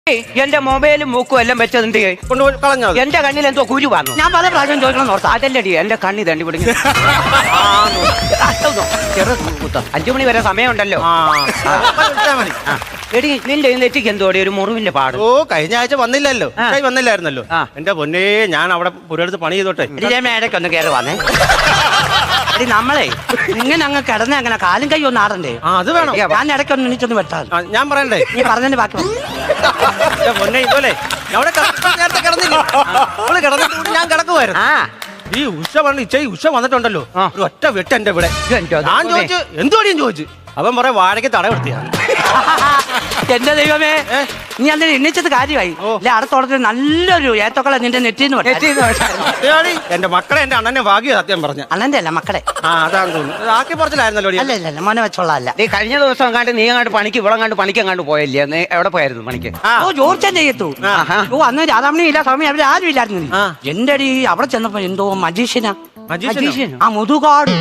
എന്റെ മൊബൈലും മൂക്കും എല്ലാം വെച്ചത് എന്ത് കൊണ്ടുപോയി കളഞ്ഞോ? എന്റെ കണ്ണിൽ എന്തോ കുരു വന്നു. ഞാൻ പല പ്രാവശ്യം ചോദിക്കണം നോർത്ത. അതല്ലടി എന്റെ കണ്ണി തണ്ടി പിടിങ്ങി 5 മണി വരെ സമയമുണ്ടല്ലോ. എടി നിന്റെ നെറ്റിക്ക് എന്തോടി ഒരു മുറിവിന്റെ പാട്? ഓ കഴിഞ്ഞ ആഴ്ച വന്നില്ലല്ലോ, വന്നില്ലായിരുന്നല്ലോ. എന്റെ പൊന്നേ, ഞാൻ അവിടെ പുരടുത്ത് പണി ചെയ്തോട്ടെ. ഇടയ്ക്ക് ഒന്ന് കയറി വന്നേ. എടി നമ്മളെ ഇങ്ങനെ അങ്ങ് കിടന്ന് അങ്ങനെ കാലും കൈ ഒന്ന് ആടണ്ടേ? അത് വേണം. ഞാൻ ഇടയ്ക്കൊന്ന് എണീച്ചൊന്ന് വെട്ടാ. ഞാൻ പറയണ്ടേ? നീ പറഞ്ഞതിന്റെ ബാക്കി പൊന്നെ ഇതുപോലെ അവിടെ നേരത്തെ കിടന്നില്ല, കിടന്നിട്ട് ഞാൻ കിടക്കുമായിരുന്നു. ഈ ഉഷ പറഞ്ഞു ഉഷ വന്നിട്ടുണ്ടല്ലോ, ഒരു ഒറ്റ വെട്ട് എന്റെ ഇവിടെ. ഞാൻ ചോദിച്ചു എന്തുവാടിയും ചോദിച്ചു. അവൻ പറയാം വാഴയ്ക്ക് തട കൊടുത്തിയാണ്. എന്റെ ദൈവമേ, നീ അന്ന് എണ്ണിച്ചത് കാര്യമായി. അടുത്തോടത്ത് നല്ലൊരു ഏത്തക്കള നിന്റെ നെറ്റിന്ന് എന്റെ മക്കളെ എന്റെ അണ്ണനെ ഭാഗ്യ സത്യം പറഞ്ഞ. അണ്ണന്റെ അല്ല മക്കളെ. അതാണെന്ന് തോന്നുന്നു. ആക്കി പറച്ചിലായിരുന്നല്ലോ. അല്ല ഇല്ല മോനെ വെച്ചോളാം. നീ കഴിഞ്ഞ ദിവസം കണ്ട് നീ അങ്ങോട്ട് പണിക്ക് ഇവിടെ കണ്ട് പണിക്ക് അങ്ങോട്ട് പോയല്ലേ? നീ എവിടെ പോയായിരുന്നു പണിക്ക്? ഓ ജോർച്ചൻ ചെയ്യത്തു. ഓ അന്ന് രാധാമണി ഇല്ല, സ്വാമി അവര് ആരും ഇല്ലായിരുന്നു. എന്റെ അടി അവിടെ ചെന്നപ്പോ എന്തോ മജീഷ്യനാ. ആ മുതുകാട്.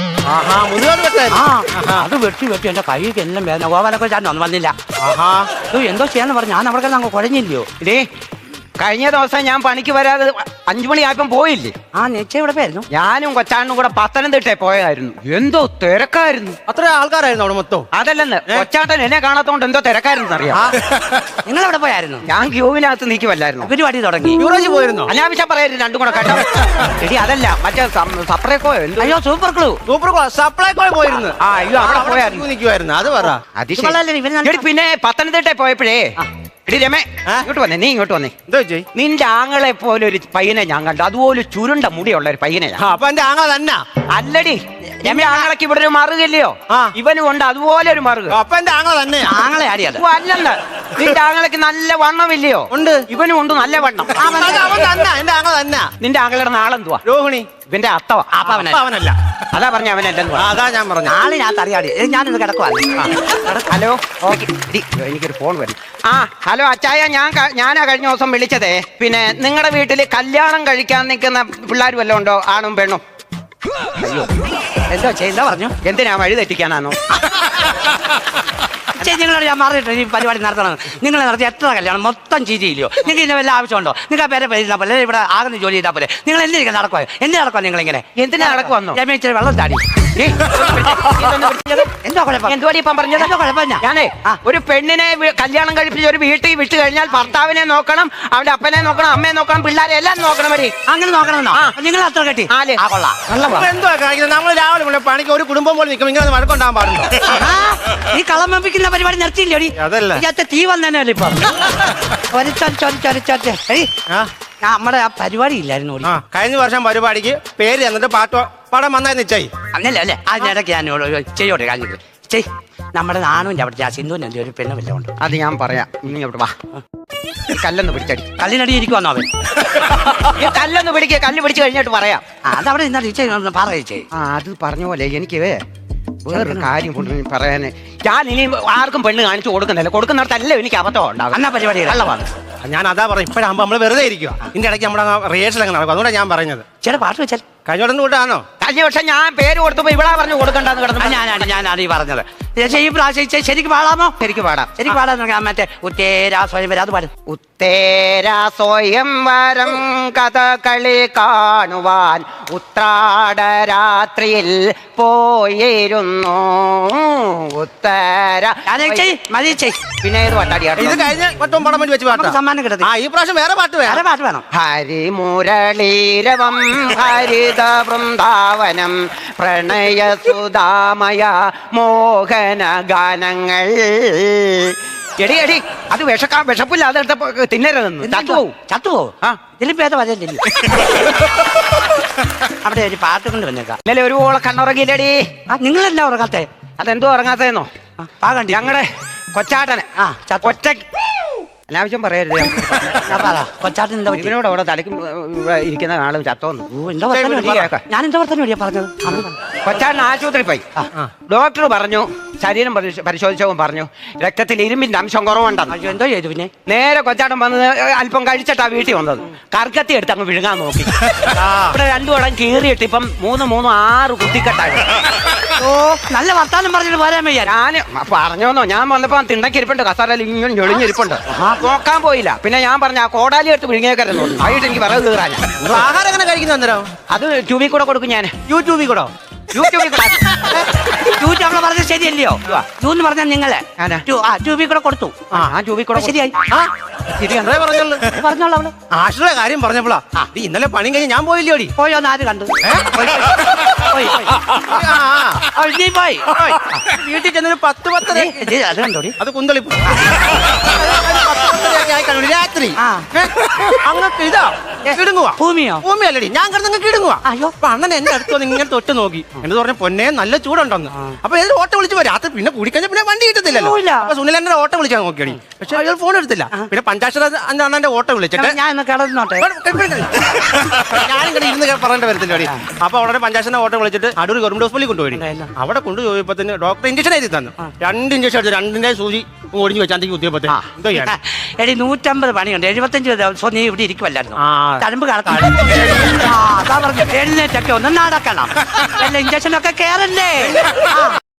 അത് വെട്ടി എന്റെ കൈക്ക് എല്ലാം വേദന. ഗോപാലൊക്കെ ചാനൊന്നും വന്നില്ല. എന്തോ ചെയ്യാന്ന് പറഞ്ഞു. ഞാൻ അവിടെ അങ്ങ് കുഴഞ്ഞില്ലയോ? ഇതേ കഴിഞ്ഞ ദിവസം ഞാൻ പണിക്ക് വരാതെ 5 മണിയായപ്പം പോയില്ലേ? ആ നെച്ച ഇവിടെ പോയായിരുന്നു. ഞാനും കൊച്ചാണ്ണും കൂടെ പത്തനംതിട്ട പോയായിരുന്നു. എന്തോ തിരക്കായിരുന്നു. അത്ര ആൾക്കാരായിരുന്നു അവിടെ മൊത്തം. അതല്ലെന്ന്, കൊച്ചാട്ടൻ എന്നെ കാണാത്തോണ്ട് എന്തോ തിരക്കായിരുന്നു അറിയാം. നിങ്ങൾ എവിടെ പോയായിരുന്നു? ഞാൻ ക്യൂവിനകത്ത് നീക്കുമല്ലായിരുന്നു. പരിപാടി തുടങ്ങി. യൂറോജ് പോയിരുന്നു. അനാവശ്യം പറയരുത് രണ്ടും കൂടെ കേട്ടോ. എടി അതല്ല, മറ്റേ സപ്ലൈക്കോയോ എന്തോ. അയ്യോ സൂപ്പർ ക്ലൂ. സപ്ലൈക്കോ പോയിരുന്നു. അയ്യോ അവിടെ പോയായിരുന്നു. നിൽക്കുമായിരുന്നു. അത് പറ. പിന്നെ പത്തനംതിട്ട പോയപ്പോഴേ എടി രമേ, ഇങ്ങോട്ട് വന്നേ. നീ ഇങ്ങോട്ട് വന്നേ. നിന്റെ ആങ്ങളെ പോലെ ഒരു പയ്യനെ ഞാൻ കണ്ടു. അതുപോലെ ചുരുണ്ട മുടിയുള്ള ഒരു പയ്യനെ. അപ്പൊ എന്റെ ആങ്ങള തന്നെ അല്ലടി, രമേ ആങ്ങളക്ക് ഇവിടെ ഒരു മറുകല്ലയോ? ഇവനും ഉണ്ട് അതുപോലെ ഒരു മറുക. അപ്പൊ എന്റെ ആങ്ങള തന്നെ. ആങ്ങളെ ആടിയത് അല്ലെന്ന്, നിന്റെ ആങ്ങളക്ക് നല്ല വണ്ണമില്ലയോ? ഉണ്ട്. ഇവനും ഉണ്ട് നല്ല വണ്ണം. എന്റെ ആങ്ങള തന്നെ. നിന്റെ ആങ്ങളുടെ നാളെന്തുവാ? രോഹിണി. ഇവന്റെ അത്തവ. അവനല്ല. അതാ പറഞ്ഞ അവനല്ലെന്ന്. അതാ ഞാൻ പറഞ്ഞു. ആളിനകത്ത് അറിയാടി. ഞാനിത് കിടക്കുവാ. Hello, okay. എനിക്കൊരു ഫോൺ വരും. ഹലോ അച്ചായ, ഞാനാ കഴിഞ്ഞ ദിവസം വിളിച്ചതേ. പിന്നെ നിങ്ങളുടെ വീട്ടിൽ കല്യാണം കഴിക്കാൻ നിൽക്കുന്ന പിള്ളേർ വല്ലതും ഉണ്ടോ? ആണും പെണ്ണും? അയ്യോ എന്തോ ചെയ്താ പറഞ്ഞു. എന്തിനാ വഴി തെറ്റിക്കാനാണോ? നിങ്ങളോട് ഞാൻ മാറിയിട്ട് ഈ പരിപാടി നടത്തണം. നിങ്ങൾ നടത്തി എത്ര കല്യാണം മൊത്തം ചീറ്റിയില്ലയോ? നിങ്ങൾക്ക് ഇതിന്റെ വല്ല ആവശ്യമുണ്ടോ? നിങ്ങൾ പേരെ പേരിട്ടാ പോലെ ഇവിടെ ആകുന്ന ജോലി ചെയ്താൽ പോലെ. നിങ്ങൾ എന്തിനാ നടക്കുക? എന്തിനാ നടക്കുക? നിങ്ങൾ ഇങ്ങനെ എന്തിനാ നടക്കുവന്നോ? ഞാൻ ഇച്ചിരി വെള്ളം താടി. എന്തോ കുഴപ്പം? എന്തുവാടി ഇപ്പം പറഞ്ഞത്? എന്തോ കുഴപ്പമില്ല. ഞാനേ ഒരു പെണ്ണിനെ കല്യാണം കഴിപ്പിച്ച് ഒരു വീട്ടിൽ വിട്ട് കഴിഞ്ഞാൽ ഭർത്താവിനെ നോക്കണം, അവന്റെ അപ്പനെ നോക്കണം, അമ്മയെ നോക്കണം, പിള്ളേരെ എല്ലാം നോക്കണം. വരി അങ്ങനെ നോക്കണമെന്നോ? നിങ്ങൾ അത്ര കെട്ടി കൊള്ളാം. എന്തുവാ കാണിക്കുന്നത്? നമ്മൾ രാവിലെ പണിക്ക് ഒരു കുടുംബം പോലെ നിൽക്കും. ഇങ്ങനെ വഴക്കുണ്ടാകാൻ പാടുണ്ടോ? ഈ കളം വെപ്പിക്കുന്ന പരിപാടി നിർത്തിയില്ലോടി? തീ വന്നേനല്ലേ ഇപ്പൊ? നമ്മുടെ ആ പരിപാടി ഇല്ലായിരുന്നു. കഴിഞ്ഞ വർഷം പരിപാടിക്ക് പേര് എന്നിട്ട് പാടം വന്നായിരുന്നു നിശ്ചയി. അന്നല്ലേ അല്ലേ? അതിനിടയ്ക്ക് ഞാൻ ചെയ്യോട്ടെ കാര്യം ചെയ്. നമ്മുടെ നാണുവിന്റെ അവിടെ സിന്ധുവിന്റെ ഒരു പെണ്ണ് വല്ല ഉണ്ട്. അത് ഞാൻ പറയാം. നീ അവിടെ വാ. കല്ലൊന്ന് പിടിച്ചടി. കല്ലിനടി ഇരിക്കുവാന്നോ അവൻ? കല്ലൊന്ന് പിടിക്കുക. കല്ല് പിടിച്ചു കഴിഞ്ഞിട്ട് പറയാം. അതവിടെ ഇന്നാ പറയിച്ചേ. അത് പറഞ്ഞ പോലെ എനിക്ക് വേറൊരു കാര്യം പറയാന്. ഞാൻ ഇനി ആർക്കും പെണ്ണ് കാണിച്ചു കൊടുക്കുന്നില്ല. കൊടുക്കുന്നിടത്തല്ല എനിക്ക് അബദ്ധം ഉണ്ടാകും. എന്നാ പരിപാടി കള്ളമാണ്. ഞാൻ അതാ പറയാം. ഇപ്പോഴാകുമ്പോ നമ്മള് വെറുതെ ഇരിക്കുക. ഇതിന്റെ ഇടയ്ക്ക് നമ്മുടെ റിഹേഴ്സൽ അങ്ങനെ നടക്കും. അതുകൊണ്ടാണ് ഞാൻ പറഞ്ഞത്. ചേട്ടാ പാട്ട് വെച്ചാൽ കഴിഞ്ഞോടൊന്നും കൂട്ടാണോ? കഴിഞ്ഞ വർഷം ഞാൻ പേര് കൊടുത്തപ്പോ ഇവിടെ പറഞ്ഞു കൊടുക്കണ്ടെന്ന് കിടന്നു. ഞാനാണ് ഈ പറഞ്ഞത്. ഈ പ്രാവശ്യം ശരിക്കും പാടാമോ? ശരിക്കും പാടാം. ശരിക്കും പാടാൻ മറ്റേ ഉത്തേരാ സ്വയംവരം അത് പാടും. ഉത്തേരാ സ്വയംവരം കഥകളി കാണുവാൻ ഉത്രാടരാത്രിയിൽ പോയിരുന്നു. ഉത്തര പിന്നെ ഏത് പാട്ടാടിയാണ്? ഇത് കഴിഞ്ഞ വട്ടം പടം വെച്ച് പാട്ട് സമ്മാനം കിട്ടും. ഈ പ്രാവശ്യം വേറെ പാട്ട് വേണം. ഹരിമുരളീരവം ഹരിത വൃന്ദാവനം പ്രണയസുധാമയ മോഹന ഗാനങ്ങൾ. എടി അത് വിഷപ്പില്ലാതെ തിന്നരുതെന്ന്. ചത്തുവോ? ഇതിലും ഭേദം വരലില്ല. അവിടെ ഒരു പാട്ട് കൊണ്ട് വന്നേക്കാം. ഇന്നലെ ഒരു ഓളെ കണ്ണുറങ്ങിയില്ലടി. നിങ്ങളെല്ലാം ഉറങ്ങാത്തെ? അതെന്തോ ഉറങ്ങാത്തേന്നോ? പാകണ്ടി ഞങ്ങളുടെ കൊച്ചാട്ടനെ ഒറ്റ അനാവശ്യം പറയരുത്. കൊച്ചാട്ടൻ ഇവനോട് അവിടെ തലയ്ക്ക് ഇരിക്കുന്ന ആളും ചത്തോന്നു. ഞാൻ എന്താ പറഞ്ഞ പറഞ്ഞത്? കൊച്ചാട്ടൻ ആശുപത്രി പോയി. ഡോക്ടർ പറഞ്ഞു, ശരീരം പരിശോധിച്ചവൻ പറഞ്ഞു രക്തത്തിൽ ഇരുമ്പിന്റെ അംശം കുറവുണ്ടെന്ന്. എന്തോ ചെയ്തു? പിന്നെ നേരെ കൊച്ചാട്ടൻ വന്നത് അല്പം കഴിച്ചിട്ടാ വീട്ടിൽ വന്നത്. കർക്കത്തി എടുത്ത് അങ്ങ് വിഴുങ്ങാൻ നോക്കി. ഇവിടെ 2 വടം കീറിയിട്ട് ഇപ്പം 3 കുത്തിക്കെട്ടായി. നല്ല വർത്താനം പറഞ്ഞിട്ട് പോരാൻ വയ്യ. ഞാൻ പറഞ്ഞോന്നോ, ഞാൻ വന്നപ്പോ തിണ്ടക്കിരിപ്പുണ്ട്, കസാരയിൽ ഇങ്ങനെ ഞൊളിഞ്ഞിരിപ്പുണ്ട്. നോക്കാൻ പോയില്ല. പിന്നെ ഞാൻ പറഞ്ഞ ആ കോടാലി എടുത്ത് വിഴുങ്ങിയേക്കരുന്നു. ആയിട്ട് എനിക്ക് വിറക് കീറാൻ. ആഹാരം എങ്ങനെ കഴിക്കുന്ന അന്നേരം? അത് ട്യൂബിൽ കൂടെ കൊടുക്കും ഞാൻ. യൂട്യൂബിൽ കൂടോ? യൂട്യൂബിൽ കൂടെ. ട്യൂബ് അവളെ പറഞ്ഞത് ശരിയല്ലയോ? ട്യൂന്ന് പറഞ്ഞാൽ നിങ്ങളെ ട്യൂബിൽ കൂടെ കൊടുത്തു. ആ ട്യൂബിൽ കൂടെ ശരിയായി. ശരി അത്രേ പറഞ്ഞുള്ളൂ. പറഞ്ഞോളൂ അവള്. ആശ്രയ കാര്യം പറഞ്ഞപ്പോളാ നീ ഇന്നലെ പണി കഴിഞ്ഞ് ഞാൻ പോയില്ലോടി. പോയോന്ന് ആര് കണ്ടു? നീ പോയി വീട്ടിൽ ചെന്നൊരു 10-10 അത് കണ്ടോടി. അത് കുന്തളിപ്പ് രാത്രി അങ്ങക്ക് ഇതാ കിടുങ്ങുവാ. ഭൂമിയോ? ഭൂമിയല്ലടി, ഞാൻ കിടന്നങ്ങ് കിടുങ്ങുവാ. അയ്യോ. അപ്പൊ അണ്ണൻ എന്റെ അടുത്ത് വന്ന് ഇങ്ങനെ തൊട്ട് നോക്കി. എന്ന് പറഞ്ഞ പൊന്നെ നല്ല ചൂടുണ്ടെന്ന്. അപ്പൊ ഏതൊരു ഓട്ടോ വിളിച്ചു പോയി. രാത്രി പിന്നെ കൂടിക്കഴിഞ്ഞ പിന്നെ വണ്ടി കിട്ടത്തില്ലല്ലോ. അപ്പൊ സുനിൽ എന്നെ ഓട്ടോ വിളിച്ചാൽ നോക്കിയടി. പക്ഷെ അയാൾ ഫോൺ എടുത്തില്ല. പിന്നെ പഞ്ചാക്ഷര അണ്ണന്റെ ഓട്ടോ വിളിച്ചിട്ട് ഞാൻ കിടന്നോട്ടെ. ഞാനിങ്ങനെ ഇരുന്ന് പറയേണ്ട വരത്തില്ലടി. അപ്പൊ അവിടെ പഞ്ചാക്ഷന്റെ ഓട്ടോ വിളിച്ചിട്ട് അടൂർ ഗവൺമെന്റ് ഹോസ്പിറ്റലിൽ കൊണ്ടുപോയി. അവിടെ കൊണ്ടുപോയപ്പോ ഡോക്ടർ ഇഞ്ചക്ഷൻ എഴുതി തന്നു. 2 ഇഞ്ചക്ഷൻ എടുത്ത് 2ന്റെ സൂചി ഒടിഞ്ഞു വെച്ചാൽ കുത്തിയപ്പോ എന്തോ ചെയ്യാൻ. എടി 150 പണിയുണ്ട്. 75 ദിവസം നീ ഇവിടെ ഇരിക്കുമല്ലായിരുന്നു. തഴമ്പ് കണക്കാണ്. എഴുന്നേറ്റൊക്കെ ഒന്ന് നടക്കണം. ഇഞ്ചക്ഷനൊക്കെ കേറല്ലേ.